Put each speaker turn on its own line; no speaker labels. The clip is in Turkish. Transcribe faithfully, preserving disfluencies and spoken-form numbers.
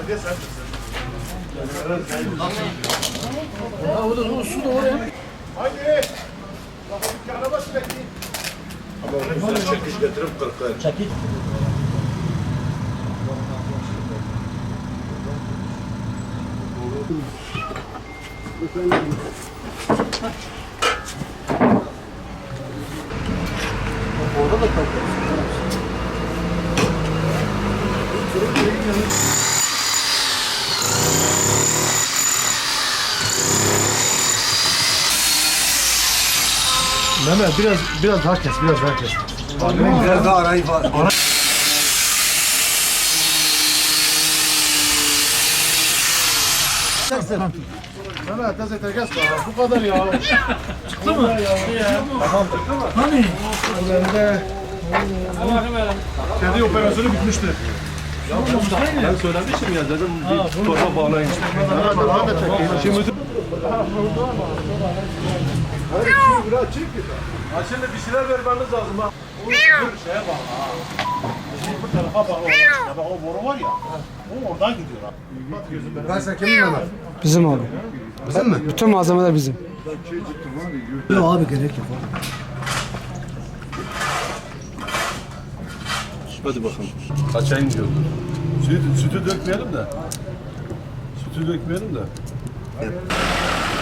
Ya o da o su da oraya.
Haydi. Bakın dükkana bas bekleyin. Ama onu çekiş getirip kırklar.
Çekil. Orada da kalkıyor. Mehmet biraz biraz daha kes, biraz daha kes.
Biraz daha arayı var.
Ara... Mehmet teze tekes bu kadar ya. Çıktı mı? Ya. Tamam çıktı mı? Hani? Bende kedi operasyonu bitmişti.
Ya ben, ben söylemiştim ya dedim bir torba bağlayın.
Daha da çekeyim.
Şimdi Hadi şimdi biraz çek. Ha şimdi bir şeyler vermeniz lazım ha.
O şeye bak ha. Şimdi bu tarafa bak o. Ya bak o boru var ya. O oradan gidiyor ha. Bak gözüm ben.
Ben sen kimin Mehmet?
Bizim abi.
Bizim mi?
Bütün malzemeler bizim.
Yok abi gerek yok.
Hadi bakalım. Kaçayım diyordu. Sütü, sütü dökmeyelim de. Sütü dökmeyelim de.